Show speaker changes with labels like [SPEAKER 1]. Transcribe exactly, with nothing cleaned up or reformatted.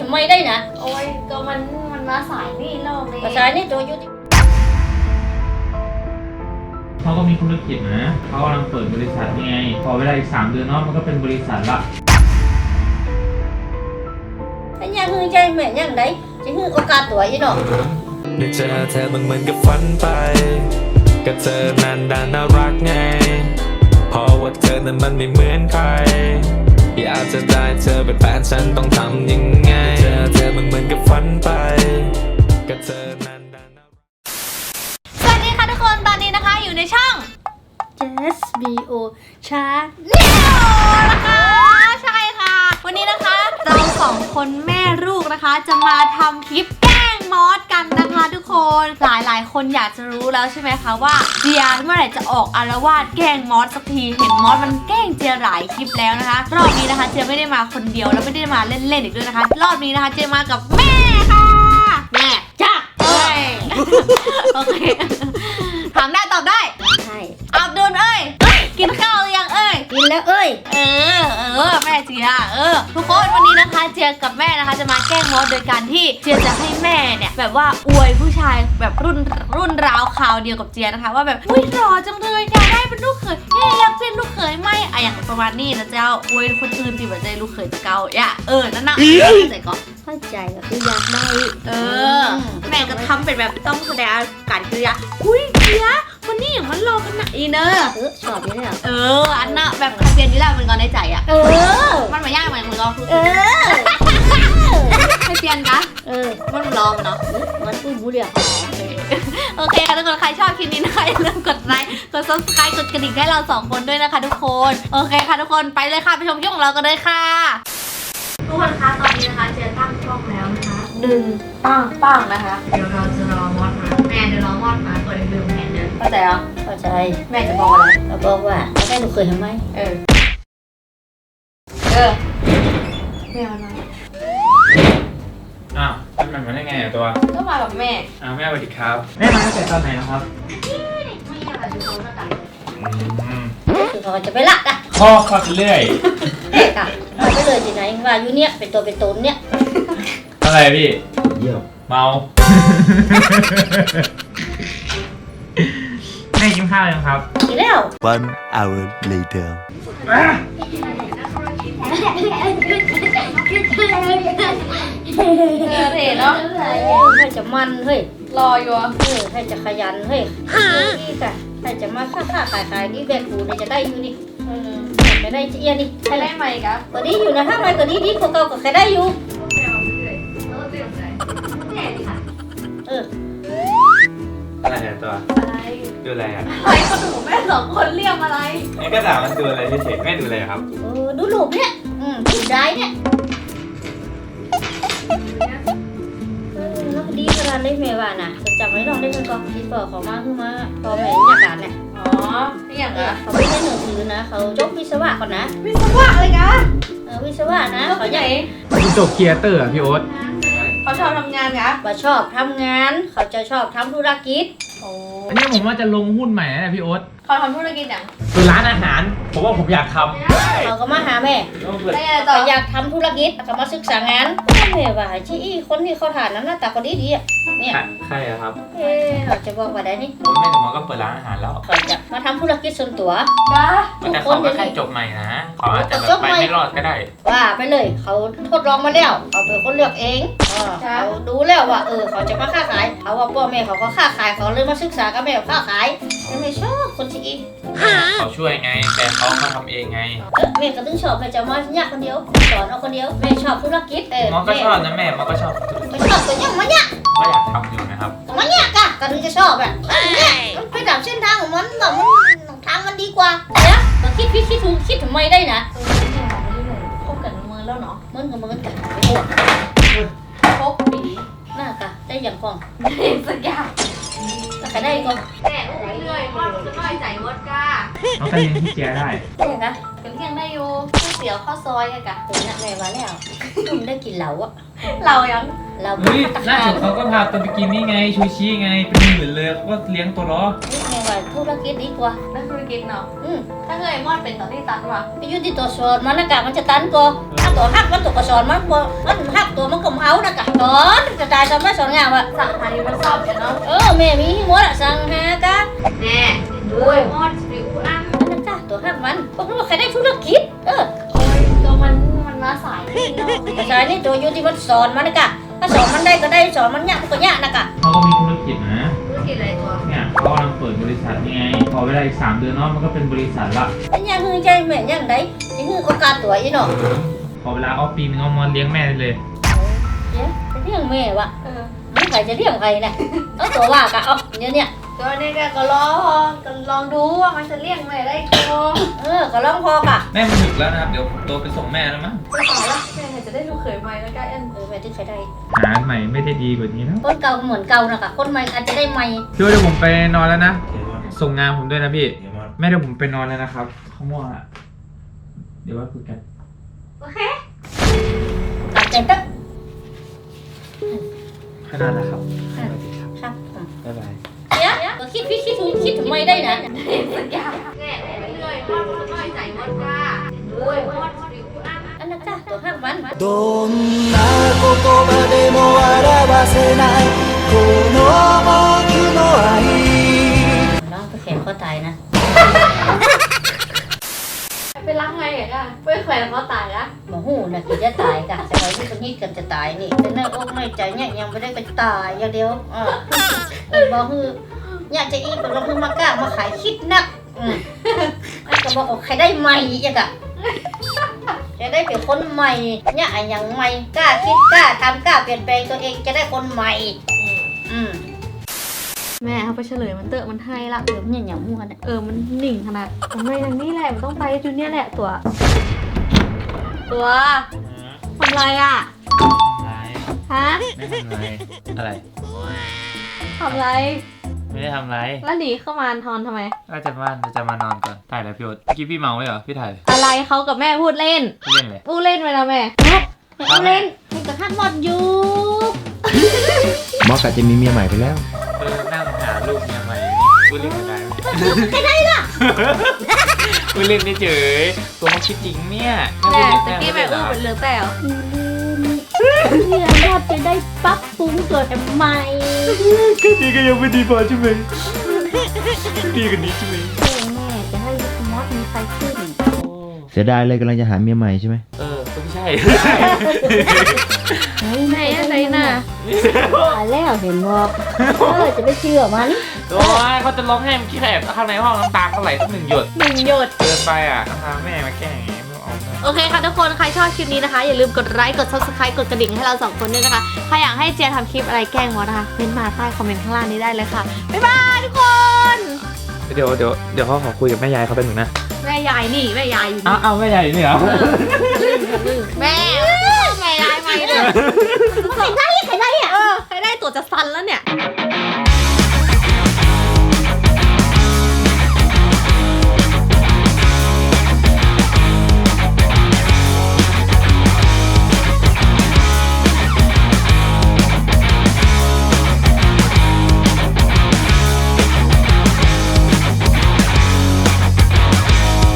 [SPEAKER 1] ทำไมได้นะ
[SPEAKER 2] โอ้ยก็มันมันมาสายนี่รอบนี้
[SPEAKER 1] ภาษานี่ตัวยุติ
[SPEAKER 3] เขาก็มีธุรกิจนะเขากำลังเปิดบริษัทนี่ไงพอเวลาอีกสามเดือนเนาะมันก็เป็นบริษัทละ
[SPEAKER 1] ไอ้ยังฮือใจแม่ยังไดจะฮือโอกาสตัวยี่เนาะ
[SPEAKER 4] ได้เจอเธอมันเหมือนกับฝันไปกับเธอนั้นดันน่ารักไงเพราะว่าเธอนั้นมันไม่เหมือนใครอยากจะได้เธอเป็นแฟนฉันต้องทำยังไงเจอเธอมันเหมือนกับฝันไปกับเธอนั้นดันน่ารัก
[SPEAKER 2] สวัสดีค่ะทุกคนตอนนี้นะคะอยู่ในช่อง
[SPEAKER 1] Just บี โอ ชา
[SPEAKER 2] แนลนะคะใช่ค่ะวันนี้นะคะเราสองคนแม่ลูกนะคะจะมาทำคลิปแกล้งมอสกันนะคะทุกคนหลายหลายคนอยากจะรู้แล้วใช่ไหมคะว่าเจียเมื่อไหร่จะออกอารวาสแกล้งมอสสักทีเห็นมอสมันแกล้งเจียหลายคลิปแล้วนะคะรอบนี้นะคะเจียไม่ได้มาคนเดียวแล้วไม่ได้มาเล่นๆอีกด้วยนะคะรอบนี้นะคะเจียมากับแม่ค่ะ
[SPEAKER 1] แม่จ้า
[SPEAKER 2] เอ้ยโอเคถามได้ตอบได้
[SPEAKER 1] ใช่
[SPEAKER 2] อับดุลเอ้ยกินข้าวหรือยังเอ้ย
[SPEAKER 1] กินแล้วเอ้ย
[SPEAKER 2] เออเออแม่เจียเออทุกคนวันนี้นะคะเจียกับแม่นะคะจะมาแกล้งมอสโดยการที่เจียจะให้แม่เนี่ยแบบว่าอวยผู้ชายแบบรุ่นรุ่นราวคราวเดียวกับเจียนะคะว่าแบบอุ้ยหล่อจังเลยอยากได้เป็นลูกเขยเฮ้ยอยากเป็นลูกเขยไหมอะอย่างประมาณนี้นะเจ้าอวยคนอื่นที่แบบใจลูกเขยจะเก่าอย่าเออนั่นน่ะใส่ก่อน
[SPEAKER 1] เข้าใจก็คืออยากได้
[SPEAKER 2] เออแม่ก็ทำเป็นแบบต้องแสดงการกิริยาอุ้ยเจียคนนี้อย่างมันรอกันนะอีเนอร์
[SPEAKER 1] เออชอบอยู่เนี่ย
[SPEAKER 2] เอออันน่ะแบบใครเปลี่ยนนี่แหละมันก็ในใจอ่ะ
[SPEAKER 1] เออ
[SPEAKER 2] มันมายากเหมือนมึงก็
[SPEAKER 1] เออ
[SPEAKER 2] ใครเปลี่ยนกะ
[SPEAKER 1] เออ
[SPEAKER 2] มันรอมันเนาะ
[SPEAKER 1] มันอุ้ยบุเรีย
[SPEAKER 2] โอเคค่ะทุกคนใครชอบคลิปนี้นะคะอย่าลืมกดไลค์กด ซับสไครบ์ กดกระดิ่งให้เราสองคนด้วยนะคะทุกคนโอเคค่ะทุกคนไปเลยค่ะไปชมคลิปของเรากันเลยค่ะทุกคนคะตอนนี้นะคะเจอตั้งช่องแล้วนะคะดึงปังปังนะคะเดี๋ยวเราจะรอมอดมาแม่เดี๋ยวรอมอดมาเปิดลืมแผนเดินเข้าใจเหรอ
[SPEAKER 1] เข้าใจ
[SPEAKER 2] แม่จะบอกอะไร
[SPEAKER 1] เราบอกว่าแม่หนูเคยทำไหม
[SPEAKER 2] เออเออแม่มันมา
[SPEAKER 3] อ้าวมันมาได้ไงอ่ะตัว
[SPEAKER 2] ก็มากับแม่
[SPEAKER 3] อ้าวแม่สวัสดีครับแม่มาตั้งแต่ตอนไหนนะครับ
[SPEAKER 2] ไม่อยากอยู่ตรงหน้าต่าง
[SPEAKER 1] คือเขาจะไปละอ่ะ
[SPEAKER 3] พ่อคลอดเรื่อย
[SPEAKER 1] เอ๊ะค่ะไปเลยที่ไหนว่าอยู่เนี่ยเป็นตัวเป็นตนเนี่ย
[SPEAKER 3] อะไรพี่เยี่ยมเมาแม่กินข้าวยังครับ
[SPEAKER 1] กินแล้ว
[SPEAKER 4] One hour later
[SPEAKER 1] เฮ้ยเนาะให้จะมันเฮ้ย
[SPEAKER 2] รออยู่อ่ะ
[SPEAKER 1] เออให้จะขยันเฮ้ยนี่ค่ะให้จะมาค้าค้าขายขายนี่แบกกูเนี่ยจะได้อยู่นี่จะได้เอียนี่
[SPEAKER 2] ใครได้ไหมครับ
[SPEAKER 1] ตัวนี้อยู่นะถ้าไม่ตัวนี้ดีกว่าเก่าก็ใครได้อยู่เออ
[SPEAKER 3] อะไรเนี่ยตัว
[SPEAKER 2] อะไร
[SPEAKER 3] ดูอะไรอ่ะ
[SPEAKER 2] อะไรคนหนูแม่สองคนเรียกอะไร
[SPEAKER 3] ไอ้กระดาษมันดูอะไรเฉยๆแม่ดูอะไรครับ
[SPEAKER 1] เออดูรูปเนี่ยอืมดูได้เนี่ยเออแล้วดีขนาดนี้แม่ว่าน่ะจะจำไว้ลองได้กันก่อนคิดบอกเขามาคือมาพอแม่อยากการเนี่ย
[SPEAKER 2] อ๋อไม่อยากอ่ะ
[SPEAKER 1] เขาไม่ได้หนังสือนะเขาจบวิศวะก่อนนะ
[SPEAKER 2] วิศวะอะไรกัน
[SPEAKER 1] เออวิศวะนะเขาใหญ่
[SPEAKER 3] เขาจบเคียเตอร์อ่ะพี่โอ๊ต
[SPEAKER 2] เขาชอบทำงานกะ
[SPEAKER 1] เขาชอบทำงานเขาจะชอบทำธุรกิจ
[SPEAKER 2] โอ้
[SPEAKER 3] อันนี้ผมว่าจะลงหุ้นใหม่นะพี่โอ๊ต
[SPEAKER 2] เขาทำธุรกิจอย่าง
[SPEAKER 3] คือร้านอาหารผมว่าผมอยากทำ
[SPEAKER 1] เขาก็มาหาแม่เขาอยากทำธุรกิจเขามาศึกษางานแม่ว่าชี้คนที่เขาถ่านน้ำหน้าตาคนดีดีอ่ะเนี่ย
[SPEAKER 3] ใครอะครับ
[SPEAKER 1] เออเขาจะบอกว่าได้นี่
[SPEAKER 3] ผมแม่หนูก็เปิดร้านอาหารแล้ว
[SPEAKER 1] เขาจะมาทำธุรกิจส่วนตัว
[SPEAKER 3] แต่เขาก็แค่จบใหม่นะเขาอาจจะแบบไปไม่รอดก็ได้
[SPEAKER 1] ว่าไปเลยเขาทดลองมาแล้วเขาเป็นคนเลือกเองเขาดูแล้วว่าเออเขาจะมาค้าขายเขาว่าพ่อแม่เขาก็ค้าขายเขาเลยมาศึกษากับแม่ค้าขายไม่ชอบคนที่
[SPEAKER 3] เขาช่วยไงแต่เขามาทำเองไง
[SPEAKER 1] แม่ก็ต้องชอบแม่จะมาเนี่ยคนเดียวสอนเอาคนเดียวแม่ชอบธุรกิจเออ
[SPEAKER 3] มอก็ชอบนะแม่มอก็ชอบ
[SPEAKER 1] ไม่ชอบตัวยังมาเนี่ย
[SPEAKER 3] ก็อยากทำอยู่นะครับ
[SPEAKER 1] มาเนี่ยกะก็ถึงจะชอบแบบเนี่ยมันไปดับเส้นทางของมันแบบมันทางมันดีกว่าเนี่ยเราคิดคิดคิดถูกคิดทำไมได้นะ
[SPEAKER 2] เออเนี่ยไม่ได้เลยคบกันเมือแล้วเนาะ
[SPEAKER 1] มันกับมันกัน
[SPEAKER 2] คบปี
[SPEAKER 1] น่ากะได้อย่างกอง
[SPEAKER 2] ได้สักอย่าง
[SPEAKER 1] แล้วใครได้ก็
[SPEAKER 2] แม่อุ้ยเลยมอดจะน้อยใจมดกะ
[SPEAKER 3] เขาก็เลี้ยงที่เจียได้
[SPEAKER 1] ได้กะ
[SPEAKER 2] กันเที่ยงได้อยู่ก๋วยเตี๋ยวข้าวซอยกะ
[SPEAKER 1] ถึงนักแม่มาแล้วคุณได้กินเหลาอะ
[SPEAKER 2] เรายัง
[SPEAKER 1] เรา
[SPEAKER 3] เฮ้ยล่าสุดเขาก็พาตัวไปกินนี่ไงชูชิไงเป็นหมื่นเลยเขาก็เลี้ยงตัวล้อ
[SPEAKER 1] แม่ว่าธุรกิจดีกว่า
[SPEAKER 2] นักธุรกิจเนาะ
[SPEAKER 1] อืม
[SPEAKER 2] ถ้าเงยมอดเป็นตอนที่ตัดว่ะ
[SPEAKER 1] ไปอยู่ที่ตัวสอนมันนะกะมันจะตันก็ถ้าตัวหักมันตัวก็สอนมันบ่มันหักตัวมันก็เอานะกะสอนจะตายสอนไม่สอนงามว่ะ
[SPEAKER 2] สั่งหาอยู่มันชอบอยู่เนาะ
[SPEAKER 1] เออแม่มีหมดอะสั่งหากะ
[SPEAKER 2] แน่ด้วยมอดสิวอัน
[SPEAKER 1] มันนะกะตัวหักมันบอกว่าใครได้ธุรกิจเออ
[SPEAKER 2] โอ้ยตัวมันมันมาสายนี่เนาะ
[SPEAKER 1] ภาษานี่ตัวอยู่ที่มันสอนมันนะกะถ้าสอนมันได้ก็ได้สอนมันยากก็ยากนะกะ
[SPEAKER 3] เขาก็มีธุรกิจนะ
[SPEAKER 2] ธุรกิจอะไรตัว
[SPEAKER 3] เนี่ยเขากำลังเปิดบริษัทนี่ไง พอเวลาอีกสามเดือนเนาะมันก็เป็นบริษัทละ
[SPEAKER 1] อันยังคือใจแม่ยังไดยังคือโอกาสตัวอีเนาะ
[SPEAKER 3] พอเวลาออฟปีนึงเอามาเลี้ยงแม่ได้เลย
[SPEAKER 1] เดี๋ยวจะเลี้ยงแม่วะ
[SPEAKER 2] เออ
[SPEAKER 1] ไม่ใครจะเลี้ยงใครนะเอาตัวว่ากะเอาเดี๋ยวเนี่ย
[SPEAKER 2] ตัวนี้ก็ก็ลองก็ลองดูว่ามันจะเลี้ยงแม่ได้ตัว
[SPEAKER 1] เออก็ลองพอกะ
[SPEAKER 3] แม่มันหนึกแล้วนะครับ เดี๋ยวผมโตไปส่งแม่แล้วมั้ง
[SPEAKER 2] จะต่อละแม่จะได้ลูกเขยใหม่แล้วก็อัน
[SPEAKER 1] เออแม่ที่ใครได้
[SPEAKER 3] หาใหม่ไม่ได้ดีกว่านี้แล้ว
[SPEAKER 1] คนเก่าเหมือนเก่านะกะคนใหม่อาจจะได้ใหม่
[SPEAKER 3] พี่ว่าเดี๋ยวผมไปนอนแล้วนะ ส่งงานผมด้วยนะพี่ แม่เดี๋ยวผมไปนอนแล้วนะครับเขาม่วงอะเดี๋ยวว่าคุยกัน
[SPEAKER 2] โอเค
[SPEAKER 1] ตัดใจตึ๊ก
[SPEAKER 3] ขนาดแล้วครับ
[SPEAKER 1] ครับผม
[SPEAKER 3] บ๊ายบาย
[SPEAKER 1] เดี๋ยวก็คิดพี่คิดถูกคิดถูกไม่ได้นะ
[SPEAKER 2] สัญญาแม่ไปเรื่อยมอดมันน้อยใจมอดว่าด้วยมอดสิวอัน
[SPEAKER 1] อันนั้นจ้ะตัวห้ามมัน
[SPEAKER 5] どんな言葉でも表せないこの僕の愛
[SPEAKER 1] น้องไปแขนเขาตายนะ
[SPEAKER 2] ไปรักไงอ่ะไปแขวนเขาตายละ
[SPEAKER 1] หมอหูนะคือจะตายกะแต่ไว้ที่คนนี้กันจะตายนี่แต่เนื้ออกในใจเนี่ยยังไม่ได้ไปตายอย่างเดียวอ่าบอกคืออยากจะอีกบอกเราเพิ่งมากล้ามาขายคิดนักอืมก็บอกว่าใครได้ใหม่อีกอะจะได้เป็นคนใหม่เนี่ยอย่างใหม่กล้าคิดกล้าทำกล้าเปลี่ยนแปลงตัวเองจะได้คนใหม่อืม
[SPEAKER 2] แม่เขาไปเฉลยมันเตอะมันให้ละ
[SPEAKER 1] เดี๋ยวเนี่ยอย่างมั่วเนี่ย
[SPEAKER 2] เออมันหนิ่งขนาดทำไมทางนี้แหละมันต้องไปจุดเนี้ยแหละตัว ตัวทำไรอ่ะ
[SPEAKER 3] อะไร
[SPEAKER 2] ฮะ
[SPEAKER 3] ไม่ทำอะไร อะไร
[SPEAKER 2] ทำไร
[SPEAKER 3] ไม่ได้ทำอะไร
[SPEAKER 2] แล้วหนีเข้ามาทอนทำไม
[SPEAKER 3] ก็จะบ้านจะมานอนก่อน ถ่ายแล้วพี่โอ๊ตเมื่อกี้พี่เมาไว้เหรอ พี่ถ่าย
[SPEAKER 2] อะไรเขากับแม่พูดเล่น
[SPEAKER 3] พี่เล่นเลย
[SPEAKER 2] พูดเล่นไปนะแม่
[SPEAKER 1] เอาเล่นให้กระทั่งหมดอยู่
[SPEAKER 5] หมอกะจะมีเมียใหม่ไปแล้ว
[SPEAKER 3] เออนั่งหาลูกเมียใหม่พูดเล่นกันได้ไหม
[SPEAKER 1] ไม่ได้ล่ะ
[SPEAKER 3] พูดเล่นไม่เฉยตัวเขาคิดจริงเนี่ย
[SPEAKER 2] แม่
[SPEAKER 3] พูด
[SPEAKER 2] ตะ
[SPEAKER 3] เล่น
[SPEAKER 2] กี้แม่
[SPEAKER 3] เหร
[SPEAKER 2] อู้เป็นเลือแต่เหรอ
[SPEAKER 1] เพื่อนยอดจะได้ปรับปรุงเกิดใหม่
[SPEAKER 3] แค่นี้ก็ยังไม่ดีพอใช่ไหมดีกว่านี้ใช่ไหม
[SPEAKER 1] แม่จะให้มอสมีใครขึ้น
[SPEAKER 5] เสียดายเลยกำลังจะหาเมียใหม่ใช่ไหม
[SPEAKER 3] เออก็ไม่ใช่
[SPEAKER 1] เฮ้ย
[SPEAKER 2] แม่อะไรน่ะ
[SPEAKER 1] ตายแล้วเห็นบอกเออจะไปเชื่อมัน
[SPEAKER 3] โอ้ยเขาจะร้องไห้เมื่อกี้แอบข้างในห้องน้ำตาเขาไหลตั้งหนึ่งหยด
[SPEAKER 2] หนึ่งหยด
[SPEAKER 3] เกินไปอ่ะพาแม่มาแกล้งอย่างงี้ไม่เอาเลย
[SPEAKER 2] โอเคค่ะทุกคน ใครชอบคลิปนี้นะคะ อย่าลืมกดไลค์ กด ซับสไครบ์ กดกระดิ่งให้เราสองคนด้วยนะคะ ใครอยากให้เจียทำคลิปอะไรแกล้งมอสนะคะเม้นต์มาใต้คอมเมนต์ข้างล่างนี้ได้เลยค่ะ บ๊ายบายทุกคน
[SPEAKER 3] เดี๋ยวเดี๋ยวเดี๋ยวเขาขอคุยกับแม่ยายเขาเป็นหนึ่งนะ
[SPEAKER 2] แม่ยายนี่แม่ยายอยู่
[SPEAKER 3] อ้า
[SPEAKER 2] นี่
[SPEAKER 3] วอ้าวแม่ยายนี่เหรอ
[SPEAKER 2] แม่แม่ยายไม่เลย
[SPEAKER 1] ใครได้ใครได้อ่ะ
[SPEAKER 2] เออใครได้ตัวจะซันแล้วเนี่ย